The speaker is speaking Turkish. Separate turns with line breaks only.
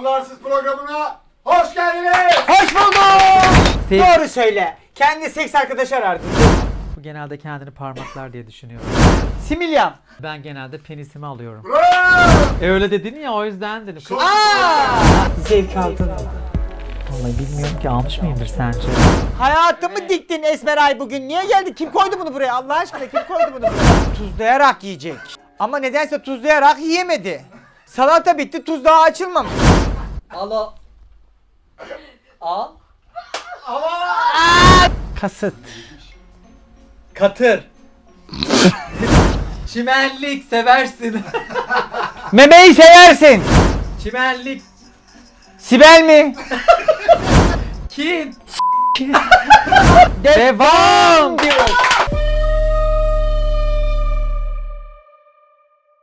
Anlarsız programına hoş geldiniz.
Hoş bulduk.
Sev-
Doğru söyle. Kendi seks arkadaşı arardı.
Bu genelde kendini parmaklar diye düşünüyorum.
Similyan.
Ben genelde penisimi alıyorum.
Bravo.
Öyle dedin ya, o yüzden dedim.
Zevk aldın.
Vallahi bilmiyorum ki, almış mıyımdır sence?
Hayatımı diktin Esmeray bugün. Niye geldi? Kim koydu bunu buraya? Allah aşkına kim koydu bunu buraya? Tuzlayarak yiyecek. Ama nedense tuzlayarak yiyemedi. Salata bitti, tuz daha açılmamış.
Al. Al.
Kasıt.
Katır. Çimenlik seversin.
Memeyi seversin.
Çimenlik.
Sibel mi?
Kim?
Devam diyor.